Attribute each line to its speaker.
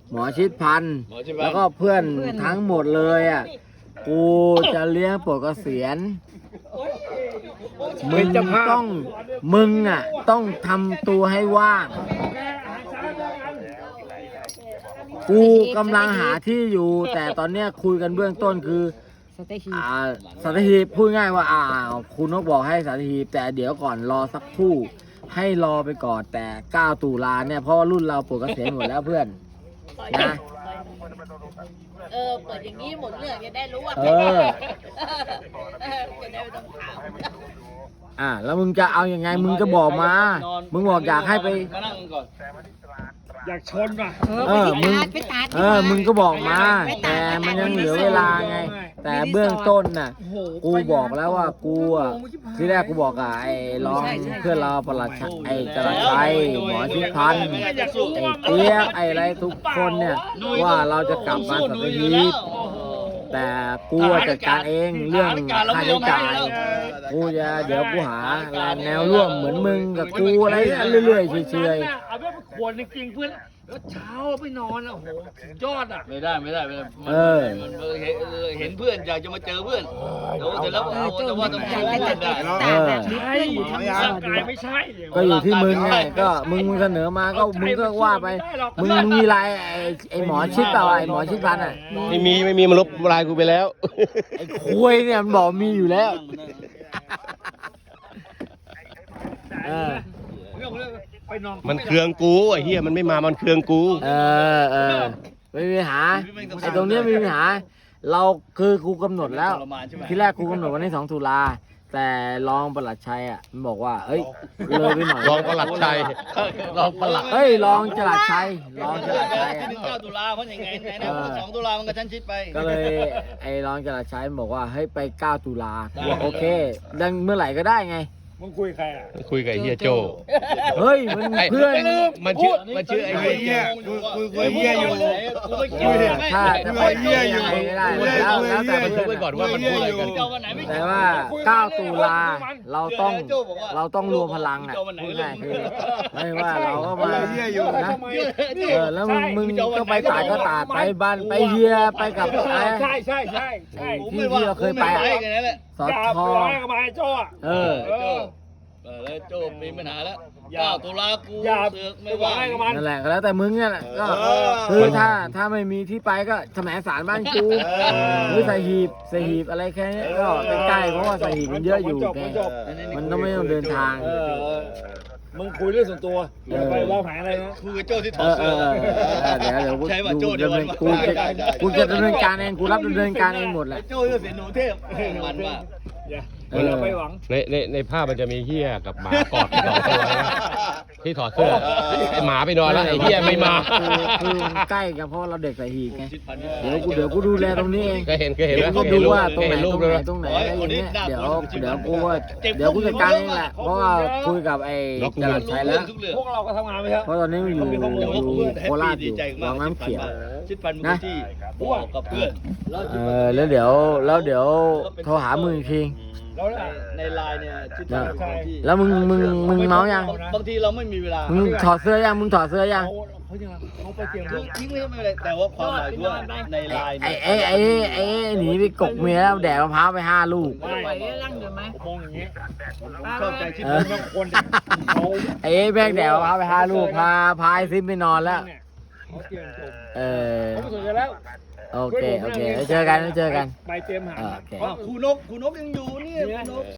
Speaker 1: หมอชิดพันธ์แล้วก็เพื่อนทั้งหมดเลยอ่ะกูจะเลี้ยงปลดเกษียณมึงอ่ะต้องทำตัวให้ว่างกูกำลังหาที่อยู่แต่ตอนเนี้ยคุยกันเบื้องต้นคือสัตหีบพูดง่ายว่าคุณนกบอกให้สัตหีบแต่เดี๋ยวก่อนรอสักครู่ให้รอไปก่อนแต่9 ตุลาเนี่ยเพราะว่ารุ่นเราปลดเกษียณหมดแล้วเพื่อนนะ
Speaker 2: เปิดอย่างนี้หมดเรื่องจะได้รู้ว่าจะได้ไม่ต้องถาม
Speaker 1: แล้วมึงจะเอายังไงมึงก็บอกมามึงบอกอยากให้ไป
Speaker 3: อยากชนว่ะ
Speaker 1: มึงก็บอกมาแต่มันยังเหลือเวลาไงแต่เบื้องต้นน่ะกูบอกแล้วว่ากูที่แรกกูบอกกับไอ้รองเพื่อนเราประหลัดไอ้จระชัยหมอชิดพันธ์ไอ้เตี้ยไอ้อะไรทุกคนเนี่ยว่าเราจะกลับมาสัตหีบแต่กูจัดการเองเรื่องค่าใช้จ่ายกูจะเดี๋ยวกูหาแนวร่วมเหมือนมึงกับกูอะไรเรื่อยๆเฉย
Speaker 3: ๆเอาแบบขวดจริงๆเพื่อนแล้วเช้าไปนอนโอ้โหยอดอ่ะ
Speaker 4: ไม่ได้มันเห็นเพื่อนอยากจะมาเจอเพื่อนแล้วแต่ว่าต้องสู้เพื่อนได้
Speaker 3: ใช่ร่างกายไม่ใช่
Speaker 1: ก็อยู่ที่มึงไงก็มึงเสนอมาก็มึงก็ว่าไปมึงมีลายไอ้หมอชิดเปล่าไอ้หมอชิดพันธ์อ่ะ
Speaker 5: ไม่มีมันลบลายกูไปแล้ว
Speaker 1: ไอ้คุยเนี่ยมันบอกมีอยู่แล้ว
Speaker 5: มันเครื่องกูไอ้เหี้ยมันไม่มามันเครื่องกู
Speaker 1: ไม่มีปัญหาไอ้ตรงเนี้ยไม่มีปัญหาเราคือกูกำหนดแล้วที่แรกกูกำหนดวันที่2 ตุลาแต่รองปลัดชัยอ่ะมันบอกว่าเฮ้ยเลยไปหน่อย
Speaker 5: รองปลัดชัย
Speaker 1: รองปลัดรองจลัดชัยรองจลัดชัย
Speaker 4: 9 ตุลาเพราะยังไง2 ตุลามันก็ชั้นชิดไป
Speaker 1: ก็เลยไอ้รองจลัดชัยมันบอกว่าเฮ้ยไป9 ตุลาบอกโอเคดังเมื่อไหร่ก็ได้ไง
Speaker 3: มึงคุยใครอ่ะ
Speaker 5: คุยกับไอ้เฮียโจ
Speaker 1: เฮ้ยมันเพื่อน
Speaker 5: มันชื่อไอ้เฮีย
Speaker 3: คุยเฮียอยู่
Speaker 1: ถ้าไปเฮียอยู่ไม่ได้แล้วแต่เพื่อน
Speaker 5: ก่อนว่ามันพูดอะไรกัน
Speaker 1: แต่ว่า9 ตุลาเราต้องรวมพลังอ่ะพูดง่ายคือไม่ว่าเราก็มานะแล้วมึงก็ไปตาดก็ตาดไปบ้านไปเฮียไปกับ
Speaker 3: ใช่
Speaker 1: ที่เราเคยไปสอดทอ
Speaker 4: แล้วโจมีปัญหาแล้ว9 ตุลากูเสือกไม่ว่า
Speaker 1: นั่นแหละแล้วแต่มึงเนี่ยก็คือถ้าไม่มีที่ไปก็แสมสารบ้านกูหรือใส่หีบอะไรแค่นี้ก็ใกล้ๆเพราะว่าใส่หีบมันเยอะอยู่แกมันต้องไม่ต้องเดินทาง
Speaker 3: มึงคุยเรื่องส่วนตัวอย่าไปวางแผนอะไรนะ
Speaker 4: คุยกับโจ้ที่ถอดเสื้อ
Speaker 1: เดี๋ยวกูจะดำเนินการเองกูรับดำเนินการเองหมดแหละ
Speaker 4: โจ้เสียหนูเทพมันว่า
Speaker 5: ในภาพมันจะมีเฮียกับหมากอด2 ตัวที่ถอดเสื้อไอ้หมาไปนอนแล้วไอ้เฮียไม่มา
Speaker 1: คือใกล้กันเพราะเราเด็กใส่หีบไงเดี๋ยวกูดูแลตรงนี้เอง
Speaker 5: ก็เห็น
Speaker 1: แล้วก็ดูว่าตรงไหนอะไรอย่างเงี้ยเดี๋ยวกูจัดการเองแหละเพราะว่าคุยกับไอ้จรัสชัยแล้ว
Speaker 3: พวกเราก็ทำงานไปครับ
Speaker 1: เพราะตอนนี้อยู่โคราชอยู่วังน้ำเขียว
Speaker 4: นะบอกกับเพื่อน
Speaker 1: แล้วเดี๋ยวโทรหามึงอีกที
Speaker 4: ในไลน์เนี่ย
Speaker 1: แล้วมึงเมายัง
Speaker 4: บางทีเราไม่มีเวลา
Speaker 1: มึงถอดเสื้อยัง
Speaker 3: เขาไปเตรียม
Speaker 4: ทิ้งไม่เป็นไรแต่ว่าความหมายว่าในไลน์
Speaker 1: ไอ้หนีไปกกเมียแล้วแดกมะพร้าวไป5 ลูก
Speaker 2: นั่งอยู่ไหม
Speaker 3: มองอย่างนี้
Speaker 4: ชอบใจชิดบางคน
Speaker 1: ไอ้แม่งแดกมะพร้าวไป5 ลูกพายซิมไปนอนแล้ว
Speaker 3: เขาไปสนใจแล้ว
Speaker 1: โอเคเจอกัน
Speaker 3: ไปเตรียมหา
Speaker 4: ครูนกยังอยู่นี่ครูนก